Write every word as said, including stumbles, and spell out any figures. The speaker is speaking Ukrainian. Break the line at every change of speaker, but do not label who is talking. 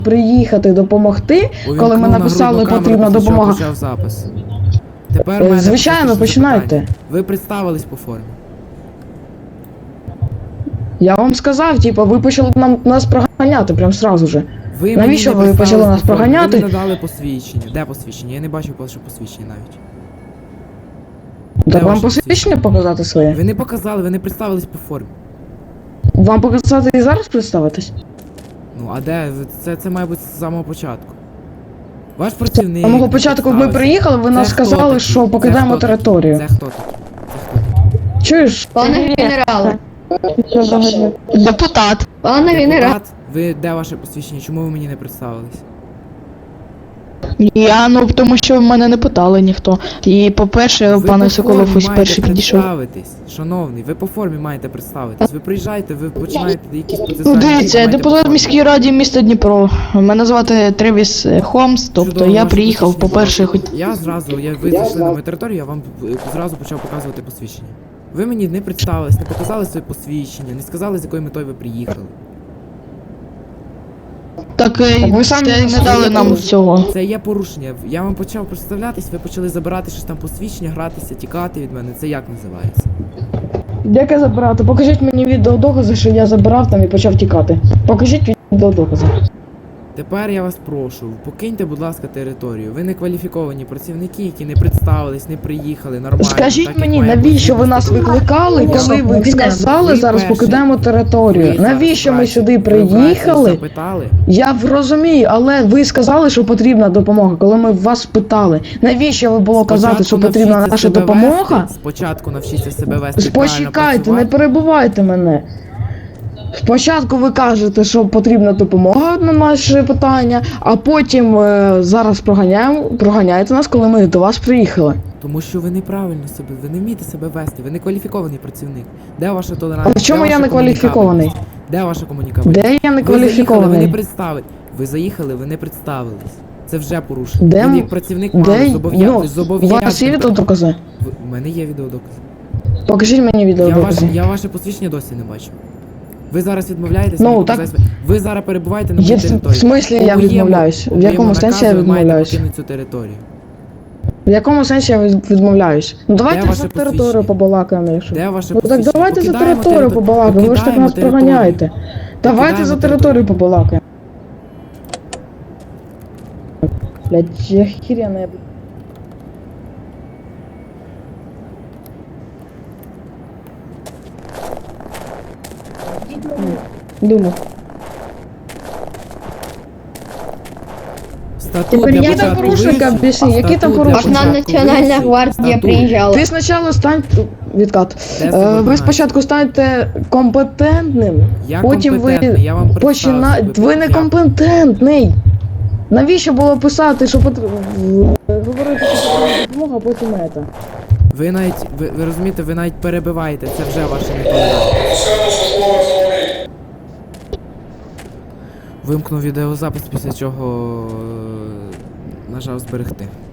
приїхати допомогти,
Увімкнув
коли ми написали,
нагрудну
потрібна
камеру, після чого
допомога.
почав запис. Тепер
Е,
в мене
звичайно,
практично
починайте.
запитання. Ви представились по формі.
Я вам сказав, типу, ви почали нам, нас проганяти прям сразу же.
Ви
Навіщо
мені не
ви почали
представились
нас
по формі,
проганяти?
Ви не надали посвідчення. Де посвідчення? Я не бачив ваше посвідчення навіть. Де
Так вам
ваше
посвідчення показати своє?
Ви не показали, ви не представились по формі.
Вам показати і зараз представитись?
Ну, а де? Ви- Це, це має бути з самого початку. Ваш працівник...
З самого
не
початку ми
представився.
приїхали, ви
Це
нас
хто
сказали,
такий?
що
Це
покидаємо
хто такий?
територію.
Це хто такий? Це хто такий?
Чуєш?
Пане генерале,
Депутат.
пане генерале,
Депутат, ви де ваше посвідчення? Чому ви мені не представились?
Я, ну, тому що мене не питали ніхто. І, по-перше,
Ви
пане
по
Соколов
формі
ось
маєте
перший підійшов.
представитись, шановний, ви по формі маєте представитись. Ви приїжджаєте, ви починаєте якісь
Ну,
процесуальні дії,
дивіться, я
маєте
депутат
по формі.
міської ради міста Дніпро. Мене звати Тревіс Холмс, тобто
Чудово,
я
ваше
приїхав,
посвідчення,
по-перше,
будь
хоч...
ласка. Я зразу, я, ви зайшли на мою територію, я вам е, зразу почав показувати посвідчення. Ви мені не представились, не показали своє посвідчення, не сказали, з якою метою ви приїхали.
Так, е,
Так ви самі
це не
самі
дали нам
порушили.
цього.
Це є порушення. Я вам почав представлятись, ви почали забирати щось там посвідчення, гратися, тікати від мене. Це як називається?
Яке забирати? Покажіть мені відеодокази, що я забирав там і почав тікати. Покажіть відеодокази.
Тепер я вас прошу, покиньте, будь ласка, територію. Ви не кваліфіковані працівники, які не представились, не приїхали нормально.
Скажіть
так, як
мені,
має
навіщо
бути.
ви нас викликали, коли ви сказали,
Ви
зараз
перші.
покидаємо
Ви
територію?
зараз
Навіщо ми
вранці-
сюди
ви вранці
приїхали?
запитали?
Я розумію, але ви сказали, що потрібна допомога, коли ми вас питали. Навіщо ви було казати, що
Спочатку
потрібна
навчіться
наша
себе
допомога?
вести, Спочатку навчіться себе вести.
Почекайте,
правильно
не
працювати.
перебивайте мене. Спочатку ви кажете, що потрібна допомога на наше питання, а потім е, зараз проганяємо, проганяєте нас, коли ми до вас приїхали.
Тому що ви неправильно себе, ви не вмієте себе вести, ви не кваліфікований працівник. Де ваша
А
толерантність?
в чому
Де
я
ваша
не кваліфікований?
комунікабельність? Де ваша комунікабельність?
Де я не
Ви заїхали, ви не
кваліфікований?
представили. Ви заїхали, ви не представились. Це вже порушення.
Де
Ви
м-
як працівник
Де
мали
ну,
зобов'язаний.
у вас є відеодокази?
У мене є відеодокази.
Покажіть мені
Я, ваш,
відеодокази.
я ваше посвідчення досі не бачу. Ви зараз відмовляєтесь?
Ну,
мені
так-
показати- Ви зараз перебуваєте на моїй
Є, в
території.
смислі
По
я
моєму-
відмовляюсь?
по
В якому
моєму
сенсі я
наказу ви маєте
відмовляюсь?
покинути цю територію.
В якому сенсі я від- відмовляюсь? Ну давайте
ваше
за територію
посвідчення?
побалакаємо, якщо.
Де ваше
Ну так
посвідчення?
давайте за
Покидаємо
територію
територ-
побалакаємо, ви ж так
покидаємо
нас
територію.
проганяєте. Давайте за
Покидаємо
територію побалакаємо. Блять, я хіряна, я... Думаю.
Статут
Тепер
для
які там
початку
порушники,
вивчив.
об'ясни, які там
Статут для
порушники?
Аж на
початку
Національна
вивчив.
гвардія
Статут.
приїжджала.
Ти спочатку стань... Відкат.
Де
Е,
субординація?
ви спочатку станьте компетентним,
Я
потім ви
компетентний, я вам
почина...
представився.
Ви не
Я-
компетентний. Навіщо було писати, що потр... говорити, що потрібна допомога, а потім це?
Ви навіть, ви, ви розумієте, ви навіть перебиваєте, це вже ваше нетолерантність. Вимкнув відеозапис, після чого е, нажав зберегти.